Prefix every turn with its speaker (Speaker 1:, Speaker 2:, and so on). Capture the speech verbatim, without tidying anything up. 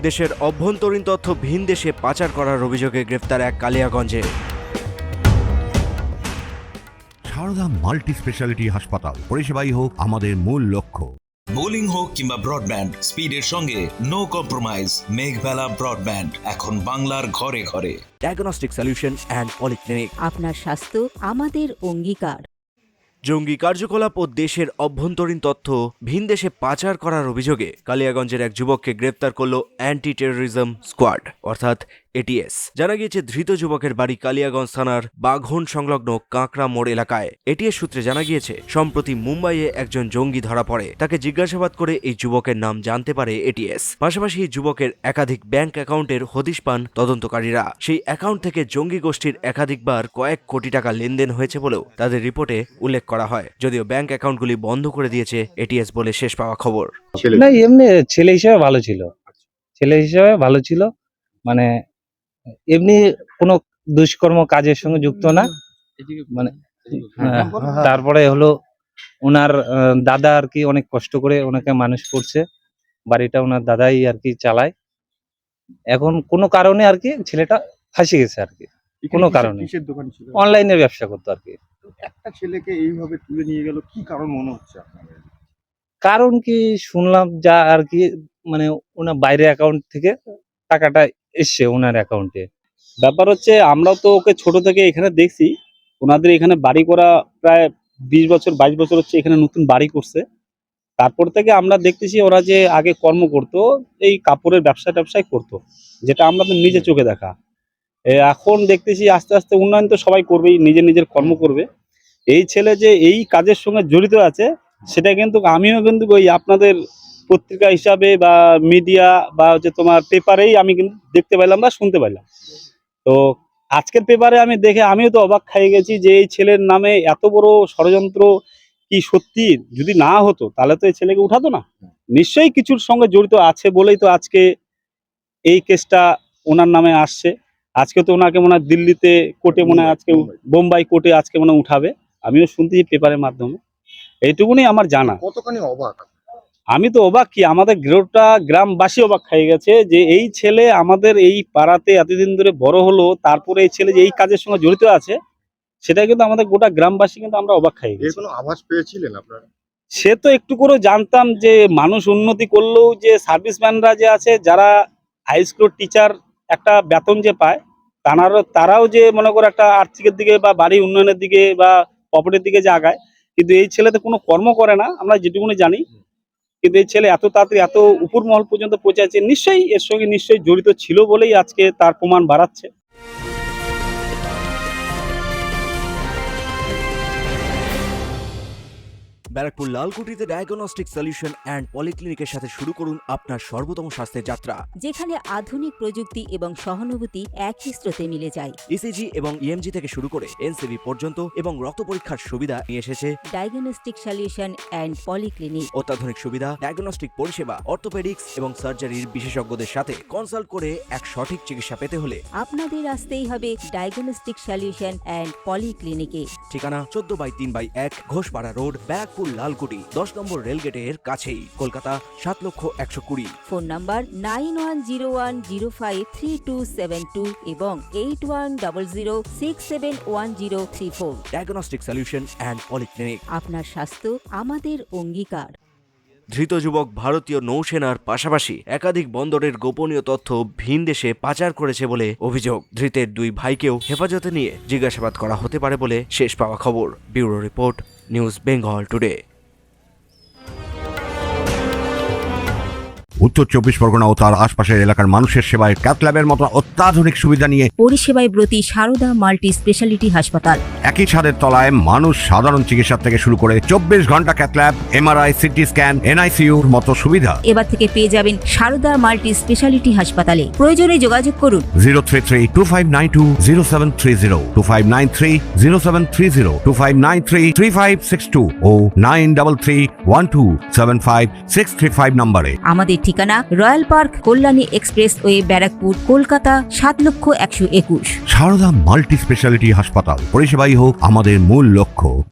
Speaker 1: দেশের অভ্যন্তরীণ তথ্য ভিন দেশে পাচার করার অভিযোগে গ্রেফতার এক কালিয়াগঞ্জে।
Speaker 2: সারদা মাল্টি স্পেশালিটি হাসপাতাল, পরিষেবাই হোক আমাদের মূল লক্ষ্য।
Speaker 3: বোলিং হোক কিংবা ব্রডব্যান্ড, স্পিডের সঙ্গে নো কম্প্রোমাইজ। মেঘবেলা ব্রডব্যান্ড এখন বাংলার ঘরে ঘরে।
Speaker 1: Diagnostic solution and polyclinic.
Speaker 4: আপনার স্বাস্থ্য আমাদের অঙ্গীকার।
Speaker 1: জঙ্গি কার্যকলাপ ও দেশের অভ্যন্তরীণ তথ্য ভিন দেশে পাচার করার অভিযোগে কালিয়াগঞ্জের এক যুবককে গ্রেফতার করল অ্যান্টি টেরোরিজম স্কোয়াড অর্থাৎ এটিএস। জানা গিয়েছে ধৃত যুবকের বাড়ি কালিয়াগঞ্জ থানার বাঘন সংলগ্ন কাঁকড়া মোড় এলাকায়। এটিএস সূত্রে জানা গিয়েছে সম্প্রতি মুম্বাইয়ে একজন জঙ্গি ধরা পড়ে। তাকে জিজ্ঞাসাবাদ করে এই যুবকের নাম জানতে পারে এটিএস। পাশাপাশি এই যুবকের একাধিক ব্যাংক অ্যাকাউন্টের হদিশ পান তদন্তকারীরা। সেই অ্যাকাউন্ট থেকে জঙ্গি গোষ্ঠীর একাধিকবার কয়েক কোটি টাকা লেনদেন হয়েছে বলেও তাদের রিপোর্টে উল্লেখ করা হয়। যদিও ব্যাংক অ্যাকাউন্টগুলি বন্ধ করে দিয়েছে এটিএস বলে শেষ পাওয়া খবর।
Speaker 5: না, এমনি ছেলে হিসেবে ভালো ছিল, ছেলে হিসেবে ভালো ছিল মানে এমনি কোনো দুষ্কর্ম কাজের সঙ্গে যুক্ত না। মানে তারপরে হলো ওনার দাদা আর কি অনেক কষ্ট করে ওনাকে মানুষ করছে, বাড়িটা ওনার দাদাই আর কি চালায়। এখন কোনো কারণে আর কি ছেলেটা ফাঁসে গেছে আর কি, কোনো কারণে অনলাইনে ব্যবসা করতো আর কি।
Speaker 6: একটা ছেলেকে এইভাবে তুলে নিয়ে গেল, কি কারণ মনে হচ্ছে আপনাদের?
Speaker 5: কারণ কি শুনলাম যা আর কি, মানে ওনার বাইরে অ্যাকাউন্ট থেকে টাকাটা এসছে ওনার অ্যাকাউন্টে।
Speaker 7: ব্যাপার হচ্ছে আমরা তো ওকে ছোট থেকে এখানে দেখছি, ওনাদের এখানে বাড়ি করা প্রায় বিশ বছর বাইশ বছর হচ্ছে এখানে নতুন বাড়ি করছে। তারপর থেকে আমরা দেখতেছি ওরা যে আগে কর্ম করতো এই কাপড়ের ব্যবসা ট্যাবসায় করতো, যেটা আমরা তো নিজে চোখে দেখা। এখন দেখতেছি আস্তে আস্তে উন্নয়ন তো সবাই করবেই, নিজের নিজের কর্ম করবে। এই ছেলে যে এই কাজের সঙ্গে জড়িত আছে সেটা কিন্তু আমিও কিন্তু ওই আপনাদের পত্রিকা হিসাবে বা মিডিয়া বা হচ্ছে তোমার পেপারেই আমি কিন্তু দেখতে পাইলাম বা শুনতে পাইলাম। তো আজকের পেপারে আমি দেখে আমিও তো অবাক খেয়ে গেছি যে এই ছেলের নামে এত বড় ষড়যন্ত্র কি সত্যি যদি না হতো তাহলে তো এই ছেলেকে উঠাতো না। নিশ্চয়ই কিছুর সঙ্গে জড়িত আছে বলেই তো আজকে এই কেসটা ওনার নামে আসছে। আজকে তো ওনাকে মনে হয় দিল্লিতে কোর্টে মনে হয় আজকে বোম্বাই কোর্টে আজকে মনে উঠাবে, আমিও শুনতেছি পেপারের মাধ্যমে। এইটুকুনি আমার জানা।
Speaker 6: কতখানি অবাক?
Speaker 7: আমি তো অবাক কি, আমাদের গোটা গ্রামবাসী অবাক হয়ে গেছে যে এই ছেলে আমাদের এই পাড়াতে এতদিন ধরে বড় হলো, তারপরে এই ছেলে যে এই কাজের সঙ্গে জড়িত আছে সেটা কিন্তু আমাদের গোটা গ্রামবাসী কিন্তু আমরা অবাক হয়ে গেছি।
Speaker 6: কোনো আভাস পেয়েছিলেন আপনারা?
Speaker 7: সে তো একটু করে জানতাম যে মানুষ উন্নতি করলেও যে সার্ভিসম্যানরা যে আছে যারা হাই স্কুল টিচার একটা বেতন যে পায়, তারাও তারাও যে মনে করো একটা আর্থিকের দিকে বা বাড়ি উন্নয়নের দিকে বা প্রপার্টির দিকে যে আগায়, কিন্তু এই ছেলে তো কোনো কর্ম করে না আমরা যেটুকুনি জানি। কিন্তু এই ছেলে এত তাড়াতাড়ি এত উপর মহল পর্যন্ত পৌঁছাচ্ছে, নিশ্চয়ই এর সঙ্গে নিশ্চয়ই জড়িত ছিল বলেই আজকে তার প্রমাণ বাড়াচ্ছে।
Speaker 1: ব্যারাকপুর লালকুটিতে ডায়াগনস্টিক সলিউশন অ্যান্ড পলিক্লিনিকের সাথে শুরু করুন আপনার সর্বোত্তম স্বাস্থ্যের যাত্রা,
Speaker 4: যেখানে আধুনিক প্রযুক্তি এবং সহানুভূতি একই স্রোতে মিলে যায়।
Speaker 1: ইসিজি এবং ইএমজি থেকে শুরু করে এনসিবি পর্যন্ত এবং রক্ত পরীক্ষার সুবিধা নিয়ে এসেছে
Speaker 4: ডায়াগনস্টিক সলিউশন অ্যান্ড পলিক্লিনিক।
Speaker 1: অত্যাধুনিক সুবিধা, ডায়াগনস্টিক পরিষেবা, অর্থোপেডিক্স এবং সার্জারির বিশেষজ্ঞদের সাথে কনসাল্ট করে এক সঠিক চিকিৎসা পেতে হলে
Speaker 4: আপনাদের আসতেই হবে ডায়াগনস্টিক সলিউশন অ্যান্ড পলিক্লিনিকে।
Speaker 1: ঠিকানা চোদ্দ বাই তিন বাই এক ঘোষপাড়া রোড, ব্যারাকপুর লালকুটি, দশ নম্বর রেলগেটের কাছেই, কলকাতা সাত লক্ষ একশো কুড়ি।
Speaker 4: Phone number nine one zero one zero five three two seven two এবং eight one double zero six seven one zero three four.
Speaker 1: Diagnostic solution and polyclinic.
Speaker 4: আপনার স্বাস্থ্য আমাদের অঙ্গীকার।
Speaker 1: ধৃত যুবক ভারতীয় নৌসেনার পাশাপাশি একাধিক বন্দরের গোপনীয় তথ্য ভিন দেশে পাচার করেছে বলে অভিযোগ। ধৃতের দুই ভাইকেও হেফাজতে নিয়ে জিজ্ঞাসাবাদ করা হতে পারে বলে শেষ পাওয়া খবর। Bureau report, news Bengal today.
Speaker 2: উত্তর চব্বিশ পরগনা ও তার আশপাশের এলাকার মানুষের সেবায় ক্যাথ ল্যাবের মতো অত্যাধুনিক সুবিধা নিয়ে
Speaker 4: পরিষেবায় ব্রতী সারদা মাল্টি স্পেশালিটি হাসপাতাল।
Speaker 2: একই ছাদের তলায় মানুষ সাধারণ চিকিৎসা থেকে শুরু করে চব্বিশ ঘন্টা cath lab, MRI, CT scan, এনআইসিইউর মতো সুবিধা
Speaker 4: এবার থেকে পেয়ে যাবেন সারদা মাল্টি স্পেশালিটি হাসপাতালে। প্রয়োজনে যোগাযোগ করুন
Speaker 2: zero three three two five nine two zero seven three zero two five nine three zero seven three zero two five nine three three five six two o nine double three one two seven five six three five নম্বরে।
Speaker 4: আমাদের ঠিকানা royal park, Kalyani express way, Barrackpore, Kolkata সাত লক্ষ একশো একুশ।
Speaker 2: Sarada multi speciality হাসপাতাল, পরিষেবাই হোক আমাদের মূল লক্ষ্য।